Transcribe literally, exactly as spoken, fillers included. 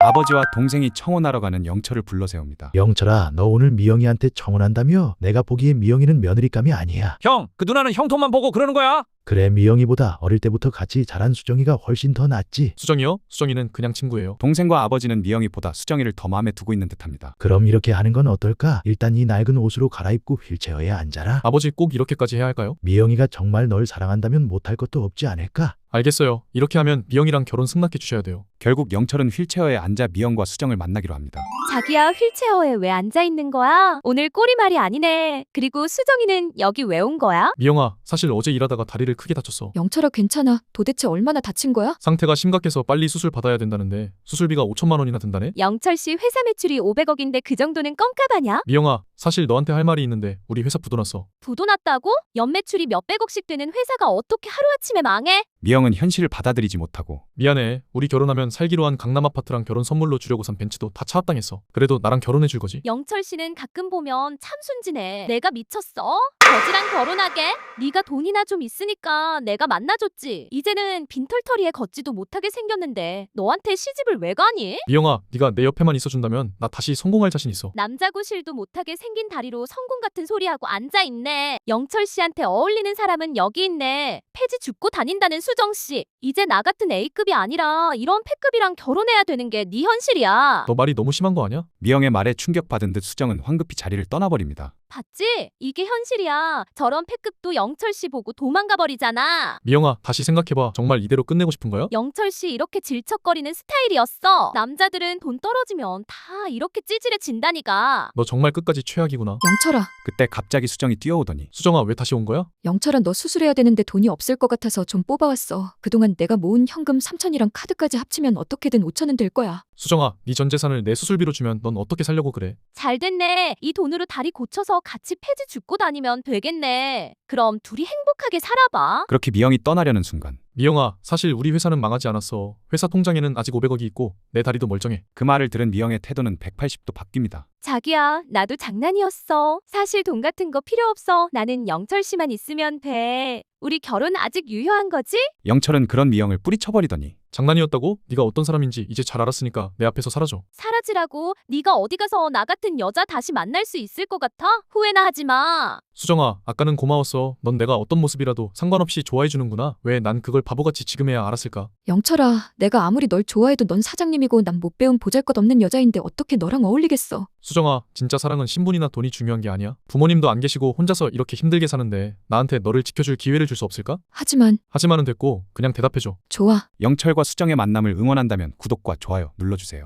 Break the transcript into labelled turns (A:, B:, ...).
A: 아버지와 동생이 청혼하러 가는 영철을 불러 세웁니다.
B: 영철아, 너 오늘 미영이한테 청혼한다며? 내가 보기에 미영이는 며느리감이 아니야.
C: 형, 그 누나는 형 돈만 보고 그러는 거야?
B: 그래, 미영이보다 어릴 때부터 같이 자란 수정이가 훨씬 더 낫지.
C: 수정이요? 수정이는 그냥 친구예요.
A: 동생과 아버지는 미영이보다 수정이를 더 마음에 두고 있는 듯합니다.
B: 그럼 이렇게 하는 건 어떨까? 일단 이 낡은 옷으로 갈아입고 휠체어에 앉아라.
C: 아버지 꼭 이렇게까지 해야 할까요?
B: 미영이가 정말 널 사랑한다면 못할 것도 없지 않을까?
C: 알겠어요. 이렇게 하면 미영이랑 결혼 승낙해 주셔야 돼요.
A: 결국 영철은 휠체어에 앉아 미영과 수정을 만나기로 합니다.
D: 자기야, 휠체어에 왜 앉아 있는 거야? 오늘 꼬리말이 아니네. 그리고 수정이는 여기 왜 온 거야?
C: 미영아, 사실 어제 일하다가 다리를 크게 다쳤어.
E: 영철아, 괜찮아? 도대체 얼마나 다친 거야?
C: 상태가 심각해서 빨리 수술 받아야 된다는데 수술비가 오천만 원이나 든다네?
D: 영철 씨 회사 매출이 오백억인데 그 정도는 껌값 아냐?
C: 미영아, 사실 너한테 할 말이 있는데 우리 회사 부도났어.
D: 부도났다고? 연매출이 몇백억씩 되는 회사가 어떻게 하루아침에 망해?
A: 미영은 현실을 받아들이지 못하고
C: 미안해. 우리 결혼하면 살기로 한 강남 아파트랑 결혼 선물로 주려고 산 벤츠도 다 차압당했어. 그래도 나랑 결혼해 줄 거지?
D: 영철 씨는 가끔 보면 참 순진해. 내가 미쳤어? 거지랑 결혼하게? 네가 돈이나 좀 있으니까 내가 만나줬지. 이제는 빈털터리에 걷지도 못하게 생겼는데 너한테 시집을 왜 가니?
C: 미영아, 네가 내 옆에만 있어준다면 나 다시 성공할 자신 있어.
D: 남자 구실도 못하게 생긴 다리로 성공 같은 소리하고 앉아있네. 영철 씨한테 어울리는 사람은 여기 있네. 폐지 줍고 다닌다는 수정 씨. 이제 나 같은 A급이 아니라 이런 패급이랑 결혼해야 되는 게 네 현실이야.
C: 너 말이 너무 심한 거 아니야?
A: 미영의 말에 충격받은 듯 수정은 황급히 자리를 떠나버립니다.
D: 봤지? 이게 현실이야. 저런 패급도 영철 씨 보고 도망가 버리잖아.
C: 미영아, 다시 생각해봐. 정말 이대로 끝내고 싶은 거야?
D: 영철 씨 이렇게 질척거리는 스타일이었어. 남자들은 돈 떨어지면 다 이렇게 찌질해진다니까.
C: 너 정말 끝까지 최악이구나.
E: 영철아,
A: 그때 갑자기 수정이 뛰어오더니
C: 수정아, 왜 다시 온 거야?
E: 영철아, 너 수술해야 되는데 돈이 없을 것 같아서 좀 뽑아왔어. 그동안 내가 모은 현금 삼천이랑 카드까지 합치면 어떻게든 오천은 될 거야.
C: 수정아, 네 전 재산을 내 수술비로 주면 넌 어떻게 살려고 그래?
D: 잘 됐네. 이 돈으로 다리 고쳐서 같이 폐지 줍고 다니면 되겠네. 그럼 둘이 행복하게 살아봐.
A: 그렇게 미영이 떠나려는 순간
C: 미영아, 사실 우리 회사는 망하지 않았어. 회사 통장에는 아직 오백억이 있고 내 다리도 멀쩡해.
A: 그 말을 들은 미영의 태도는 백팔십 도 바뀝니다.
D: 자기야, 나도 장난이었어. 사실 돈 같은 거 필요 없어. 나는 영철 씨만 있으면 돼. 우리 결혼 아직 유효한 거지?
A: 영철은 그런 미영을 뿌리쳐버리더니
C: 장난이었다고? 네가 어떤 사람인지 이제 잘 알았으니까 내 앞에서 사라져.
D: 사라지라고? 네가 어디 가서 나 같은 여자 다시 만날 수 있을 것 같아? 후회나 하지 마.
C: 수정아, 아까는 고마웠어. 넌 내가 어떤 모습이라도 상관없이 좋아해주는구나. 왜 난 그걸 바보같이 지금해야 알았을까?
E: 영철아, 내가 아무리 널 좋아해도 넌 사장님이고 난 못 배운 보잘것없는 여자인데 어떻게 너랑 어울리겠어?
C: 수정아, 진짜 사랑은 신분이나 돈이 중요한 게 아니야. 부모님도 안 계시고 혼자서 이렇게 힘들게 사는데 나한테 너를 지켜줄 기회를 줄 수 없을까?
E: 하지만
C: 하지만은 됐고 그냥 대답해줘.
E: 좋아.
A: 영철과 수정의 만남을 응원한다면 구독과 좋아요 눌러주세요.